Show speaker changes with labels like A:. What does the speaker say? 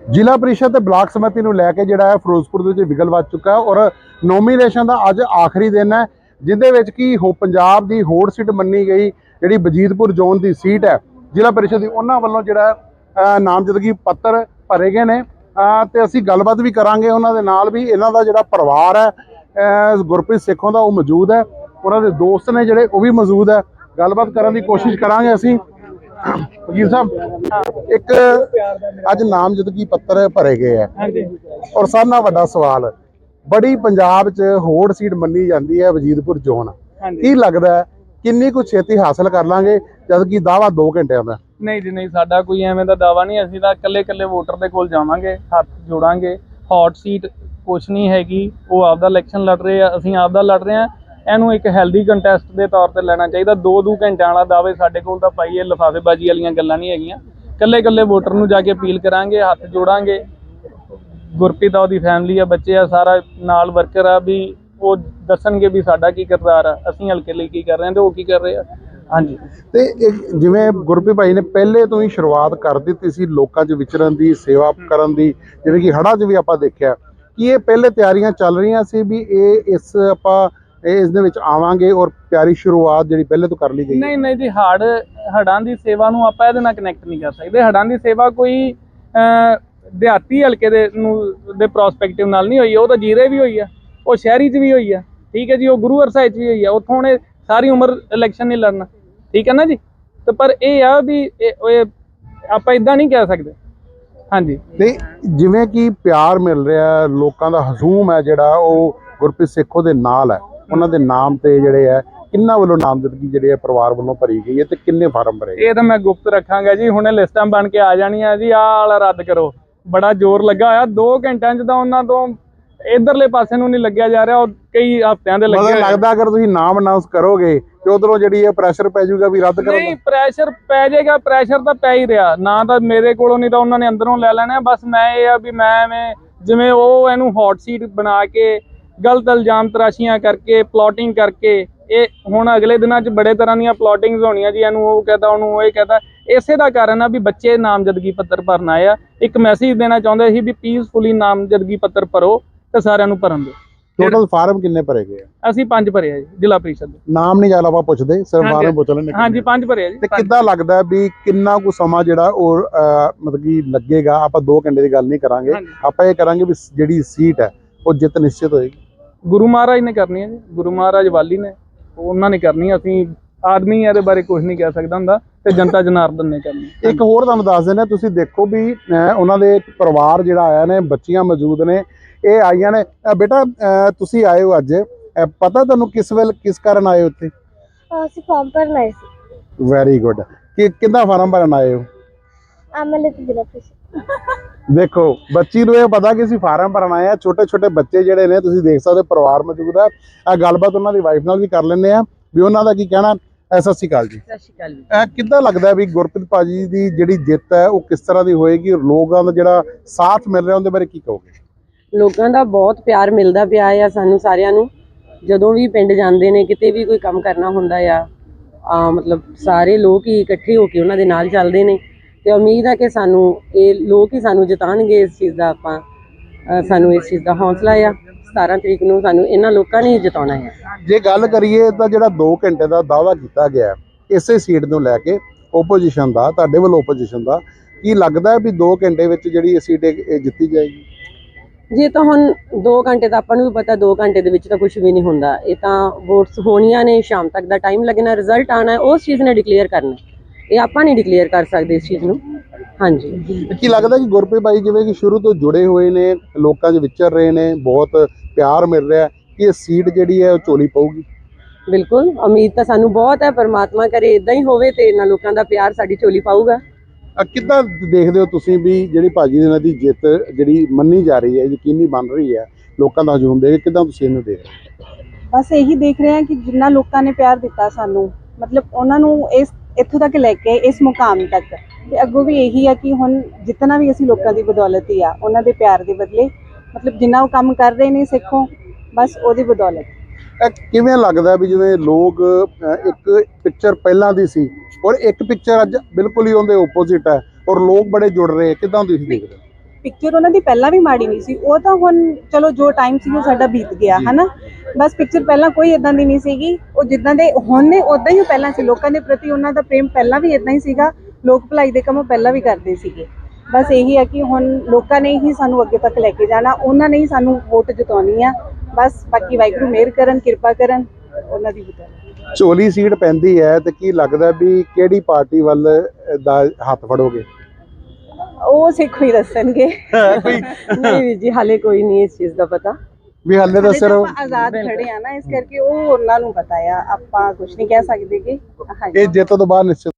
A: ਜ਼ਿਲ੍ਹਾ ਪ੍ਰੀਸ਼ਦ ਤੇ ਬਲਾਕ ਸਮਿਤੀ ਨੂੰ ਲੈ ਕੇ ਜਿਹੜਾ ਹੈ ਫਿਰੋਜ਼ਪੁਰ ਦੇ ਵਿੱਚ ਵਿਗਲ ਵੱਜ ਚੁੱਕਾ ਔਰ ਨੋਮੀਨੇਸ਼ਨ ਦਾ ਅੱਜ ਆਖਰੀ ਦਿਨ ਹੈ, ਜਿੰਦੇ ਵਿੱਚ ਕੀ ਪੰਜਾਬ ਦੀ ਹੋਰ ਸੀਟ ਮੰਨੀ ਗਈ ਜਿਹੜੀ ਵਜੀਦਪੁਰ ਜ਼ੋਨ ਦੀ ਸੀਟ ਹੈ ਜ਼ਿਲ੍ਹਾ ਪ੍ਰੀਸ਼ਦ ਦੀ, ਉਹਨਾਂ ਵੱਲੋਂ ਜਿਹੜਾ ਨਾਮਜ਼ਦਗੀ ਪੱਤਰ ਭਰੇ ਗਏ ਨੇ ਤੇ ਅਸੀਂ ਗੱਲਬਾਤ ਵੀ ਕਰਾਂਗੇ ਉਹਨਾਂ ਦੇ ਨਾਲ ਵੀ। ਇਹਨਾਂ ਦਾ ਜਿਹੜਾ ਪਰਿਵਾਰ ਹੈ ਗੁਰਪ੍ਰੀਤ ਸੇਖੋਂ ਦਾ ਉਹ ਮੌਜੂਦ ਹੈ, ਉਹਨਾਂ ਦੇ ਦੋਸਤ ਨੇ ਜਿਹੜੇ ਉਹ ਵੀ ਮੌਜੂਦ ਹੈ, ਗੱਲਬਾਤ ਕਰਨ ਦੀ ਕੋਸ਼ਿਸ਼ ਕਰਾਂਗੇ ਅਸੀਂ। ਵਕੀਲ ਸਾਹਿਬ, ਇੱਕ ਅੱਜ ਨਾਮਜ਼ਦਗੀ ਪੱਤਰ ਭਰੇ ਗਏ ਹੈ ਔਰ ਸਾਰਿਆਂ ਨਾਲੋਂ ਵੱਡਾ ਸਵਾਲ, ਬੜੀ ਪੰਜਾਬ 'ਚ ਹੋੜ ਸੀਟ ਮੰਨੀ ਜਾਂਦੀ ਹੈ ਵਜੀਦਪੁਰ ਜ਼ੋਨ, ਕੀ ਲੱਗਦਾ ਹੈ ਕਿੰਨੀ ਕੁ ਛੇਤੀ ਹਾਸਲ ਕਰ ਲਾਂਗੇ ਜਦ ਕਿ ਦਾਵਾ 2 ਘੰਟਿਆਂ ਦਾ?
B: ਨਹੀਂ ਜੀ ਨਹੀਂ, ਸਾਡਾ ਕੋਈ ਐਵੇਂ ਦਾ ਦਾਵਾ ਨਹੀਂ। ਅਸੀਂ ਤਾਂ ਇਕੱਲੇ ਵੋਟਰ ਦੇ ਕੋਲ ਜਾਵਾਂਗੇ, ਹੱਥ ਜੋੜਾਂਗੇ। ਹੌਟ ਸੀਟ ਕੁਛ ਨਹੀਂ ਹੈਗੀ, ਉਹ ਆਪਦਾ ਇਲੈਕਸ਼ਨ ਲੜ ਰਹੇ ਆ, ਅਸੀਂ ਆਪਦਾ ਲੜ ਰਹੇ ਆ। ਇਹਨੂੰ ਇੱਕ ਹੈਲਦੀ ਕੰਟੈਸਟ ਦੇ ਤੌਰ ਤੇ ਲੈਣਾ ਚਾਹੀਦਾ। 2 ਘੰਟਿਆਂ ਵਾਲਾ ਦਾਅਵੇ ਸਾਡੇ ਕੋਲ ਤਾਂ ਪਾਈਏ, ਲਿਫਾਫੇਬਾਜ਼ੀ ਵਾਲੀਆਂ ਗੱਲਾਂ ਨਹੀਂ ਹੈਗੀਆਂ। ਇਕੱਲੇ ਵੋਟਰ ਨੂੰ ਜਾ ਕੇ ਅਪੀਲ ਕਰਾਂਗੇ, ਹੱਥ ਜੋੜਾਂਗੇ। ਗੁਰਪ੍ਰੀਤ ਆ, ਉਹਦੀ ਫੈਮਿਲੀ ਆ, ਬੱਚੇ ਆ, ਸਾਰਾ ਨਾਲ ਵਰਕਰ ਆ, ਵੀ ਉਹ ਦੱਸਣਗੇ ਵੀ ਸਾਡਾ ਕੀ ਕਿਰਦਾਰ ਆ, ਅਸੀਂ ਹਲਕੇ ਲਈ ਕੀ ਕਰ ਰਹੇ ਹਾਂ ਤੇ ਉਹ ਕੀ ਕਰ ਰਹੇ ਆ। ਹਾਂਜੀ,
A: ਤੇ ਜਿਵੇਂ ਗੁਰਪ੍ਰੀਤ ਭਾਈ ਨੇ ਪਹਿਲੇ ਤੋਂ ਹੀ ਸ਼ੁਰੂਆਤ ਕਰ ਦਿੱਤੀ ਸੀ ਲੋਕਾਂ 'ਚ ਵਿਚਰਨ ਦੀ, ਸੇਵਾ ਕਰਨ ਦੀ, ਜਿਵੇਂ ਕਿ ਹੜ੍ਹਾਂ 'ਚ ਵੀ ਆਪਾਂ ਦੇਖਿਆ ਕਿ ਇਹ ਪਹਿਲੇ ਤਿਆਰੀਆਂ ਚੱਲ ਰਹੀਆਂ ਸੀ ਵੀ ਇਸ ਦੇ ਵਿੱਚ ਆਵਾਂਗੇ ਔਰ ਤਿਆਰੀ ਸ਼ੁਰੂਆਤ ਜਿਹੜੀ ਪਹਿਲੇ ਤੋਂ ਕਰ ਲਈ ਗਈ?
B: ਨਹੀਂ ਜੀ, ਹੜ੍ਹਾਂ ਦੀ ਸੇਵਾ ਨੂੰ ਆਪਾਂ ਇਹਦੇ ਨਾਲ ਕਨੈਕਟ ਨਹੀਂ ਕਰ ਸਕਦੇ। ਹੜ੍ਹਾਂ ਦੀ ਸੇਵਾ ਕੋਈ ਦਿਹਾਤੀ ਹਲਕੇ ਦੇ ਪ੍ਰੋਸਪੈਕਟਿਵ ਨਾਲ ਨਹੀਂ ਹੋਈ, ਉਹ ਤਾਂ ਜੀਰੇ ਵੀ ਹੋਈ ਆ, ਉਹ ਸ਼ਹਿਰੀ 'ਚ ਵੀ ਹੋਈ ਆ, ਠੀਕ ਹੈ ਜੀ, ਉਹ ਗੁਰੂ ਹਰਸਾਏ 'ਚ ਵੀ ਹੋਈ ਆ। ਉੱਥੋਂ ਉਹਨੇ ਸਾਰੀ ਉਮਰ ਇਲੈਕਸ਼ਨ ਨਹੀਂ ਲੜਨਾ, ਠੀਕ ਹੈ ਨਾ ਜੀ। ਤੇ ਪਰ ਇਹ ਆ ਵੀ ਆਪਾਂ ਇਦਾਂ ਨਹੀਂ ਕਹਿ ਸਕਦੇ। ਹਾਂਜੀ,
A: ਤੇ ਜਿਵੇਂ ਕਿ ਪਿਆਰ ਮਿਲ ਰਿਹਾ, ਲੋਕਾਂ ਦਾ ਹਜ਼ੂਮ ਹੈ ਜਿਹੜਾ ਉਹ ਗੁਰਪ੍ਰੀਤ ਸੇਖੋਂ ਦੇ ਨਾਲ ਹੈ, ਉਹਨਾਂ ਦੇ ਨਾਮ ਤੇ ਜਿਹੜੇ ਹੈ ਕਿੰਨਾ ਵੱਲੋਂ ਨਾਮਜ਼ਦਗੀ ਜਿਹੜੇ ਹੈ ਪਰਿਵਾਰ ਵੱਲੋਂ ਭਰੀ ਗਈ ਹੈ ਤੇ ਕਿੰਨੇ ਫਾਰਮ ਭਰੇ?
B: ਇਹ ਤਾਂ ਮੈਂ ਗੁਪਤ ਰੱਖਾਂਗਾ ਜੀ, ਹੁਣੇ ਲਿਸਟਾਂ ਬਣ ਕੇ ਆ ਜਾਣੀਆਂ ਜੀ। ਆਹ ਵਾਲਾ ਰੱਦ ਕਰੋ, ਬੜਾ ਜ਼ੋਰ ਲੱਗਾ ਹੋਇਆ 2 ਘੰਟਿਆਂ 'ਚ ਤਾਂ ਉਹਨਾਂ ਤੋਂ ਇਧਰਲੇ ਪਾਸੇ ਨੂੰ ਨਹੀਂ ਲੱਗਿਆ ਜਾ ਰਿਹਾ, ਉਹ ਕਈ ਹਫ਼ਤਿਆਂ ਦੇ ਲੱਗੇ।
A: ਲੱਗਦਾ ਅਗਰ ਤੁਸੀਂ ਨਾਮ ਅਨਾਉਂਸ ਕਰੋਗੇ ਤੇ ਉਧਰੋਂ ਜਿਹੜੀ ਇਹ ਪ੍ਰੈਸ਼ਰ ਪੈ ਜਾਊਗਾ ਵੀ ਰੱਦ ਕਰੋ?
B: ਨਹੀਂ, ਪ੍ਰੈਸ਼ਰ ਪੈ ਜਾਏਗਾ, ਪ੍ਰੈਸ਼ਰ ਤਾਂ ਪੈ ਹੀ ਰਿਹਾ ਨਾ, ਤਾਂ ਮੇਰੇ ਕੋਲੋਂ ਨਹੀਂ ਤਾਂ ਉਹਨਾਂ ਨੇ ਅੰਦਰੋਂ ਲੈ ਲੈਣਾ। ਬਸ ਮੈਂ ਇਹ ਆ ਵੀ ਮੈਂ ਐਵੇਂ ਜਿਵੇਂ ਉਹ ਇਹਨੂੰ ਹੌਟ ਸੀਟ ਬਣਾ ਕੇ ਗਲਤ ਇਲਜ਼ਾਮ ਤਰਾਸ਼ੀਆਂ ਕਰਕੇ ਪਲੋਟਿੰਗ ਕਰਕੇ, ਇਹ ਹੁਣ ਅਗਲੇ ਦਿਨਾਂ 'ਚ ਬੜੇ ਤਰ੍ਹਾਂ ਦੀਆਂ ਪਲੋਟਿੰਗਸ ਹੋਣੀਆਂ ਜੀ। ਇਹਨੂੰ ਉਹ ਕਹਤਾ, ਉਹਨੂੰ ਉਹ ਇਹ ਕਹਤਾ। ਇਸੇ ਦਾ ਕਾਰਨ ਆ ਵੀ ਬੱਚੇ ਨਾਮਜ਼ਦਗੀ ਪੱਤਰ ਭਰਨ ਆਏ ਆ। ਇੱਕ ਮੈਸੇਜ ਦੇਣਾ ਚਾਹੁੰਦੇ ਸੀ ਵੀ ਪੀਸਫੁਲੀ ਨਾਮਜ਼ਦਗੀ ਪੱਤਰ ਭਰੋ ਤੇ ਸਾਰਿਆਂ ਨੂੰ ਭਰਨ ਦਿਓ।
A: ਟੋਟਲ ਫਾਰਮ ਕਿੰਨੇ ਭਰੇ ਗਏ ਆ?
B: ਅਸੀਂ 5 ਭਰੇ ਆ ਜੀ, ਜ਼ਿਲ੍ਹਾ ਪ੍ਰੀਸ਼ਦ ਦੇ।
A: ਨਾਮ ਨਹੀਂ ਜ਼ਿਆਦਾ ਆਪਾਂ ਪੁੱਛਦੇ, ਸਿਰਫ ਫਾਰਮ ਪੁੱਛ ਲੈਣੇ।
B: ਹਾਂਜੀ, 5 ਭਰੇ ਆ ਜੀ।
A: ਤੇ ਕਿੱਦਾਂ ਲੱਗਦਾ ਵੀ ਕਿੰਨਾ ਕੁ ਸਮਾਂ ਜਿਹੜਾ ਉਹ ਮਤਲਬ ਕਿ ਲੱਗੇਗਾ? ਆਪਾਂ 2 ਘੰਟੇ ਦੀ ਗੱਲ ਨਹੀਂ ਕਰਾਂਗੇ, ਆਪਾਂ ਇਹ ਕਰਾਂਗੇ ਵੀ ਜਿਹੜੀ ਸੀਟ ਹੈ ਉਹ ਜਿੱਤ ਨਿਸ਼ਚਿਤ ਹੋਏਗੀ।
B: ਗੁਰੂ ਮਹਾਰਾਜ ਨੇ ਕਰਨੀ ਹੈ ਜੀ, ਗੁਰੂ ਮਹਾਰਾਜ ਵਾਲੀ ਨੇ, ਉਹਨਾਂ ਨੇ ਕਰਨੀ। ਅਸੀਂ ਆਦਮੀ ਇਹਦੇ ਬਾਰੇ ਕੁਝ ਨਹੀਂ ਕਹਿ ਸਕਦਾ ਹੁੰਦਾ, ਤੇ ਜਨਤਾ ਜਨਾਰਦਨ ਨੇ ਕਰਨੀ।
A: ਇੱਕ ਹੋਰ ਤੁਹਾਨੂੰ ਦੱਸ ਦਿੰਦੇ, ਤੁਸੀਂ ਦੇਖੋ ਵੀ ਉਹਨਾਂ ਦੇ ਪਰਿਵਾਰ ਜਿਹੜਾ ਆਇਆ ਨੇ, ਬੱਚੀਆਂ ਮੌਜੂਦ ਨੇ, ਇਹ ਆਈਆਂ ਨੇ। ਬੇਟਾ ਤੁਸੀਂ ਆਏ ਹੋ ਅੱਜ, ਪਤਾ ਤੁਹਾਨੂੰ ਕਿਸ ਕਾਰਨ ਆਏ ਹੋ ਉੱਥੇ?
C: ਅਸੀਂ ਫਾਰਮ ਭਰਨ ਆਏ ਸੀ।
A: Very good. ਕਿੰਨਾ ਫਾਰਮ ਭਰਨ ਆਏ ਹੋ?
C: ਐਮਐਲਏ ਤੇ ਜ਼ਿਲ੍ਹਾ ਪ੍ਰੀਸ਼ਦ।
A: ਦੇਖੋ, ਬੱਚੀ ਨੂੰ ਇਹ ਪਤਾ ਕਿ ਅਸੀਂ ਫਾਰਮ ਭਰਨ ਆਏ ਆ। ਛੋਟੇ ਬੱਚੇ ਜਿਹੜੇ ਨੇ ਤੁਸੀਂ ਦੇਖ ਸਕਦੇ, ਪਰਿਵਾਰ ਮੌਜੂਦ ਹੈ। ਇਹ ਗੱਲਬਾਤ ਉਹਨਾਂ ਦੀ ਵਾਈਫ ਨਾਲ ਵੀ ਕਰ ਲੈਂਦੇ ਆ ਵੀ ਉਹਨਾਂ ਦਾ ਕੀ ਕਹਿਣਾ। ਸਤਿ ਸ਼੍ਰੀ ਅਕਾਲ ਜੀ।
D: ਸਤਿ ਸ਼੍ਰੀ ਅਕਾਲ ਜੀ।
A: ਕਿੱਦਾਂ ਲੱਗਦਾ ਵੀ ਗੁਰਪ੍ਰੀਤ ਭਾਜੀ ਦੀ ਜਿਹੜੀ ਜਿੱਤ ਹੈ ਉਹ ਕਿਸ ਤਰ੍ਹਾਂ ਦੀ ਹੋਏਗੀ? ਲੋਕਾਂ ਦਾ ਜਿਹੜਾ ਸਾਥ ਮਿਲ ਰਿਹਾ ਉਹਦੇ ਬਾਰੇ ਕੀ ਕਹੋਗੇ?
D: ਲੋਕਾਂ ਦਾ ਬਹੁਤ ਪਿਆਰ ਮਿਲਦਾ ਪਿਆ ਆ ਸਾਨੂੰ ਸਾਰਿਆਂ ਨੂੰ। ਜਦੋਂ ਵੀ ਪਿੰਡ ਜਾਂਦੇ ਨੇ, ਕਿਤੇ ਵੀ ਕੋਈ ਕੰਮ ਕਰਨਾ ਹੁੰਦਾ ਆ, ਮਤਲਬ ਸਾਰੇ ਲੋਕ ਹੀ ਇਕੱਠੇ ਹੋ ਕੇ ਉਹਨਾਂ ਦੇ ਨਾਲ ਚੱਲਦੇ ਨੇ। ਤੇ ਉਮੀਦ ਹੈ ਕਿ ਸਾਨੂੰ ਇਹ ਲੋਕ ਹੀ ਸਾਨੂੰ ਜਿਤਾਉਣਗੇ। ਇਸ ਚੀਜ਼ ਦਾ ਸਾਨੂੰ ਇਸ ਚੀਜ਼ ਦਾ ਹੌਸਲਾ ਆ। 17 ਤਰੀਕ ਨੂੰ ਸਾਨੂੰ ਇਹਨਾਂ ਲੋਕਾਂ ਨੇ ਜਿਤਾਉਣਾ ਹੈ।
A: ਜੇ ਗੱਲ ਕਰੀਏ ਤਾਂ ਜਿਹੜਾ 2 ਘੰਟੇ ਦਾ ਦਾਅਵਾ ਕੀਤਾ ਗਿਆ ਇਸੇ ਸੀਟ ਨੂੰ ਲੈ ਕੇ ਓਪੋਜੀਸ਼ਨ ਦਾ, ਤੁਹਾਡੇ ਵੱਲੋਂ ਓਪੋਜੀਸ਼ਨ ਦਾ, ਕੀ ਲੱਗਦਾ ਵੀ 2 ਘੰਟੇ ਵਿੱਚ ਜਿਹੜੀ ਇਹ ਸੀਟ ਜਿੱਤੀ ਜਾਏਗੀ?
D: ਜੇ ਤਾਂ ਹੁਣ 2 ਘੰਟੇ ਦਾ ਆਪਾਂ ਨੂੰ ਵੀ ਪਤਾ, 2 ਘੰਟੇ ਦੇ ਵਿੱਚ ਤਾਂ ਕੁਝ ਵੀ ਨਹੀਂ ਹੁੰਦਾ। ਇਹ ਤਾਂ ਵੋਟਸ ਹੋਣੀਆਂ ਨੇ, ਸ਼ਾਮ ਤੱਕ ਦਾ ਟਾਈਮ ਲੱਗਣਾ, ਰਿਜ਼ਲਟ ਆਉਣਾ, ਉਸ ਚੀਜ਼ ਨੇ ਡਿਕਲੇਅਰ ਕਰਨਾ। ਇਹ ਆਪਾਂ ਨਹੀਂ ਡਿਕਲੇਅਰ ਕਰ ਸਕਦੇ ਇਸ ਚੀਜ਼ ਨੂੰ। ਹਾਂਜੀ,
A: ਕੀ ਲੱਗਦਾ ਕਿ ਗੁਰਪ੍ਰੀਤ ਭਾਈ ਜਿਵੇਂ ਕਿ ਸ਼ੁਰੂ ਤੋਂ ਜੁੜੇ ਹੋਏ ਨੇ, ਲੋਕਾਂ 'ਚ ਵਿਚਰ ਰਹੇ ਨੇ, ਬਹੁਤ ਪਿਆਰ ਮਿਲ ਰਿਹਾ, ਕਿ ਇਹ ਸੀਟ ਜਿਹੜੀ ਹੈ ਉਹ ਝੋਲੀ ਪਊਗੀ?
D: ਬਿਲਕੁਲ, ਉਮੀਦ ਤਾਂ ਸਾਨੂੰ ਬਹੁਤ ਹੈ। ਪਰਮਾਤਮਾ ਕਰੇ ਇਦਾਂ ਹੀ ਹੋਵੇ ਤੇ ਇਹਨਾਂ ਲੋਕਾਂ ਦਾ ਪਿਆਰ ਸਾਡੀ ਝੋਲੀ ਪਾਊਗਾ।
A: ਕਿੱਦਾਂ ਦੇਖਦੇ ਹੋ ਤੁਸੀਂ ਵੀ ਜਿਹੜੀ ਭਾਜੀ ਇਹਨਾਂ ਦੀ ਜਿੱਤ ਜਿਹੜੀ ਮੰਨੀ ਜਾ ਰਹੀ ਹੈ, ਯਕੀਨੀ ਬਣ ਰਹੀ ਹੈ, ਲੋਕਾਂ ਦਾ ਹਜੂਮ ਦੇਖ ਕੇ ਕਿੱਦਾਂ ਤੁਸੀਂ ਇਹਨੂੰ ਦੇਖ ਰਹੇ ਹੋ?
E: ਬਸ ਇਹੀ ਦੇਖ ਰਹੇ ਹਾਂ ਕਿ ਜਿੰਨਾ ਲੋਕਾਂ ਨੇ ਪਿਆਰ ਦਿੱਤਾ ਸਾਨੂੰ, ਮਤਲਬ ਉਹਨਾਂ ਨੂੰ ਇੱਥੋਂ ਤੱਕ ਲੈ ਕੇ ਇਸ ਮੁਕਾਮ ਤੱਕ, ਤੇ ਅੱਗੋਂ ਵੀ ਇਹੀ ਆ ਕਿ ਹੁਣ ਜਿੱਤਣਾ ਵੀ ਅਸੀਂ ਲੋਕਾਂ ਦੀ ਬਦੌਲਤ ਹੀ ਆ, ਉਹਨਾਂ ਦੇ ਪਿਆਰ ਦੇ ਬਦਲੇ। ਮਤਲਬ ਜਿੰਨਾ ਉਹ ਕੰਮ ਕਰ ਰਹੇ ਨੇ ਸਿੱਖੋ, ਬਸ ਉਹਦੀ ਬਦੌਲਤ।
A: ਕਿਵੇਂ ਲੱਗਦਾ ਵੀ ਜਿਵੇਂ ਲੋਕ ਇੱਕ ਪਿਕਚਰ ਪਹਿਲਾਂ ਦੀ ਸੀ ਔਰ ਇੱਕ ਪਿਕਚਰ ਅੱਜ ਬਿਲਕੁਲ ਹੀ ਉਹਦੇ ਓਪੋਜ਼ਿਟ ਹੈ ਔਰ ਲੋਕ ਬੜੇ ਜੁੜ ਰਹੇ, ਕਿੱਦਾਂ ਤੁਸੀਂ ਦੇਖਦੇ?
E: ਪਿਕਚਰ ਉਹਨਾਂ ਦੀ ਪਹਿਲਾਂ ਵੀ ਮਾੜੀ ਨਹੀਂ ਸੀ, ਉਹ ਤਾਂ ਹੁਣ ਚਲੋ ਜੋ ਟਾਈਮ ਸੀ ਉਹ ਸਾਡਾ ਬੀਤ ਗਿਆ ਹਨਾ। ਬਸ ਪਿਕਚਰ ਪਹਿਲਾਂ ਕੋਈ ਇਦਾਂ ਦੀ ਨਹੀਂ ਸੀਗੀ, ਉਹ ਜਿੱਦਾਂ ਦੇ ਹੁਣ ਨੇ ਉਦਾਂ ਹੀ ਉਹ ਪਹਿਲਾਂ ਸੀ। ਲੋਕਾਂ ਦੇ ਪ੍ਰਤੀ ਉਹਨਾਂ ਦਾ ਪ੍ਰੇਮ ਪਹਿਲਾਂ ਵੀ ਇਦਾਂ ਹੀ ਸੀਗਾ, ਲੋਕ ਭਲਾਈ ਦੇ ਕੰਮ ਉਹ ਪਹਿਲਾਂ ਵੀ ਕਰਦੇ ਸੀਗੇ। ਬਸ ਇਹੀ ਹੈ ਕਿ ਹੁਣ ਲੋਕਾਂ ਨੇ ਹੀ ਸਾਨੂੰ ਅੱਗੇ ਤੱਕ ਲੈ ਕੇ ਜਾਣਾ, ਉਹਨਾਂ ਨੇ ਹੀ ਸਾਨੂੰ ਵੋਟ ਜਿਤਾਉਣੀ ਆ। ਬਸ ਬਾਕੀ ਵਾਹਿਗੁਰੂ ਮਿਹਰ ਕਰਨ, ਕਿਰਪਾ ਕਰਨ, ਉਹਨਾਂ ਦੀ ਬਤਾਉਣੀ।
A: ਝੋਲੀ ਸੀਟ ਪੈਂਦੀ ਹੈ ਤੇ ਕੀ ਲੱਗਦਾ ਵੀ ਕਿਹੜੀ ਪਾਰਟੀ ਵੱਲ ਦਾ ਹੱਥ ਫੜੋਗੇ?
E: ਉਹ ਸਿੱਖੋ ਹੀ ਦੱਸਣਗੇ।
A: ਕੋਈ
D: ਨਹੀਂ ਵੀਰ ਜੀ, ਹਾਲੇ ਕੋਈ ਨਹੀਂ ਇਸ ਚੀਜ਼ ਦਾ ਪਤਾ।
A: ਵੀ ਹਾਲੇ ਤਾਂ
E: ਹਾਲੇ ਤਾਂ
A: ਸਿਰਫ
E: ਆਪਾਂ ਆਜ਼ਾਦ ਖੜੇ ਆ ਨਾ, ਇਸ ਕਰਕੇ ਉਹ ਉਹਨਾਂ ਨੂੰ ਪਤਾ ਆ, ਆਪਾਂ ਕੁਝ ਨਹੀਂ ਕਹਿ ਸਕਦੇ ਕਿ ਹਾਂਜੀ।
A: ਇਹ ਜਿੱਤ ਤੋਂ ਬਾਅਦ ਨਿਸ਼ਚਿਤ